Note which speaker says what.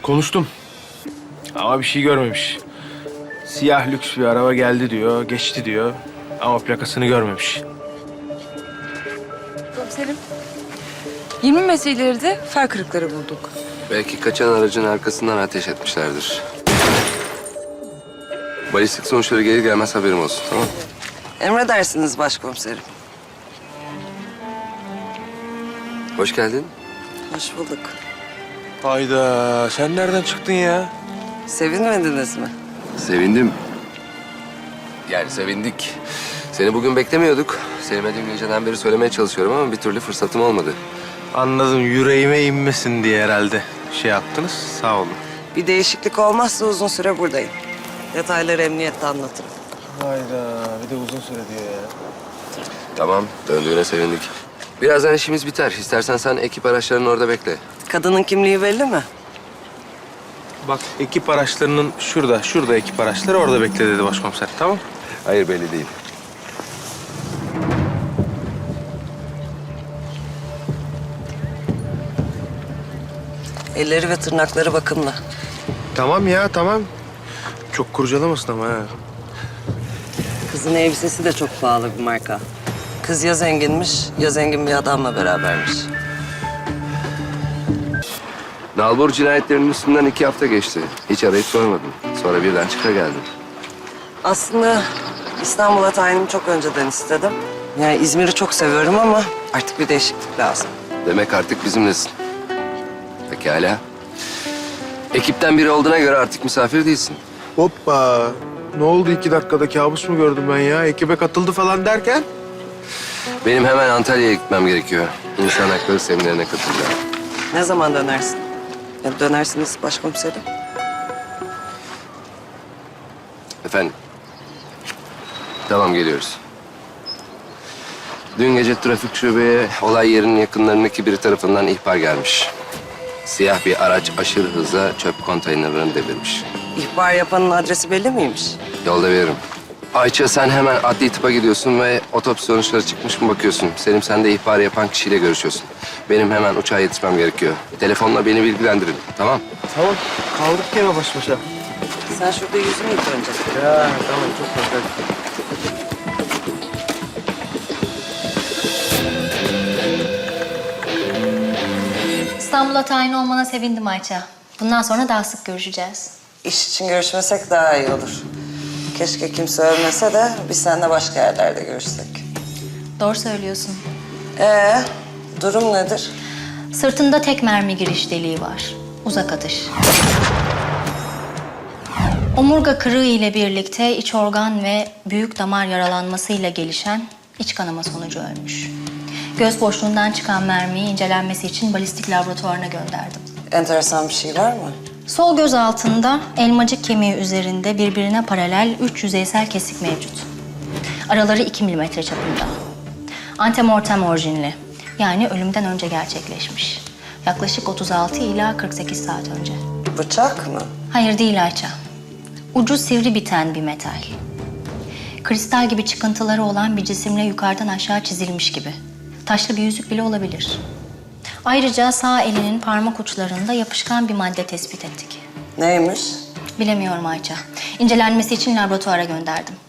Speaker 1: Konuştum. Ama bir şey görmemiş. Siyah lüks bir araba geldi diyor, geçti diyor. Ama plakasını görmemiş.
Speaker 2: Komiserim. 20 meseleleri de far kırıkları bulduk.
Speaker 3: Belki kaçan aracın arkasından ateş etmişlerdir. Balistik sonuçları gelir gelmez haberim olsun, tamam mı?
Speaker 4: Emredersiniz başkomiserim.
Speaker 3: Hoş geldin.
Speaker 4: Hoş bulduk.
Speaker 1: Hayda, sen nereden çıktın ya?
Speaker 4: Sevinmediniz mi?
Speaker 3: Sevindim. Yani sevindik. Seni bugün beklemiyorduk. Selim'e dün geceden beri söylemeye çalışıyorum ama bir türlü fırsatım olmadı.
Speaker 1: Anladım, yüreğime inmesin diye herhalde şey yaptınız. Sağ olun.
Speaker 4: Bir değişiklik olmazsa uzun süre buradayım. Detayları emniyette anlatırım.
Speaker 1: Hayda, bir de uzun süre diyor ya.
Speaker 3: Tamam, döndüğüne sevindik. Birazdan işimiz biter. İstersen sen ekip araçlarını orada bekle.
Speaker 4: Kadının kimliği belli mi?
Speaker 1: Bak, ekip araçlarının şurada ekip araçları, orada bekle dedi başkomiser, tamam?
Speaker 3: Hayır, belli değil.
Speaker 4: Elleri ve tırnakları bakımlı.
Speaker 1: Tamam ya, tamam. Çok kurcalamasın ama ha.
Speaker 4: Kızın elbisesi de çok pahalı bir marka. Kız ya zenginmiş ya zengin bir adamla berabermiş.
Speaker 3: Nalbur cinayetlerinin üstünden 2 hafta geçti. Hiç arayıp sormadım. Sonra birden çıka geldim.
Speaker 4: Aslında İstanbul'a tayinimi çok önceden istedim. Yani İzmir'i çok seviyorum ama artık bir değişiklik lazım.
Speaker 3: Demek artık bizimlesin. Pekala. Ekipten biri olduğuna göre artık misafir değilsin.
Speaker 1: Hoppa. Ne oldu 2 dakikada, kabus mu gördüm ben ya? Ekibe katıldı falan derken?
Speaker 3: Benim hemen Antalya'ya gitmem gerekiyor. İnsan hakları seminerine katılacağım.
Speaker 4: Ne zaman dönersin? Ya dönersiniz başkomiserim.
Speaker 3: Efendim? Tamam, geliyoruz. Dün gece trafik şubeye olay yerinin yakınlarındaki biri tarafından ihbar gelmiş. Siyah bir araç aşırı hızla çöp konteynerlerini devirmiş.
Speaker 4: İhbar yapanın adresi belli miymiş?
Speaker 3: Yolda veririm. Ayça, sen hemen adli tıpa gidiyorsun ve otopsi sonuçları çıkmış mı bakıyorsun. Selim, sen de ihbar yapan kişiyle görüşüyorsun. Benim hemen uçağa yetişmem gerekiyor. Telefonla beni bilgilendirin, tamam?
Speaker 1: Tamam. Kaldık yine baş başa.
Speaker 4: Sen şurada yüzünü yık önce.
Speaker 1: Ya tamam, çok güzel.
Speaker 5: İstanbul'a tayin olmana sevindim Ayça. Bundan sonra daha sık görüşeceğiz.
Speaker 4: İş için görüşmesek daha iyi olur. Keşke kimse ölmese de biz seninle başka yerlerde görüşsek.
Speaker 5: Doğru söylüyorsun.
Speaker 4: Durum nedir?
Speaker 5: Sırtında tek mermi giriş deliği var. Uzak atış. Omurga kırığı ile birlikte iç organ ve büyük damar yaralanmasıyla gelişen iç kanama sonucu ölmüş. Göz boşluğundan çıkan mermiyi incelenmesi için balistik laboratuvarına gönderdim.
Speaker 4: Enteresan bir şey var mı?
Speaker 5: Sol göz altında elmacık kemiği üzerinde birbirine paralel 3 yüzeysel kesik mevcut. Araları 2 milimetre çapında. Antemortem orijinli. Yani ölümden önce gerçekleşmiş. Yaklaşık 36 ila 48 saat önce.
Speaker 4: Bıçak mı?
Speaker 5: Hayır değil Ayça. Ucu sivri biten bir metal. Kristal gibi çıkıntıları olan bir cisimle yukarıdan aşağı çizilmiş gibi. Taşlı bir yüzük bile olabilir. Ayrıca sağ elinin parmak uçlarında yapışkan bir madde tespit ettik.
Speaker 4: Neymiş?
Speaker 5: Bilemiyorum Ayça. İncelenmesi için laboratuvara gönderdim.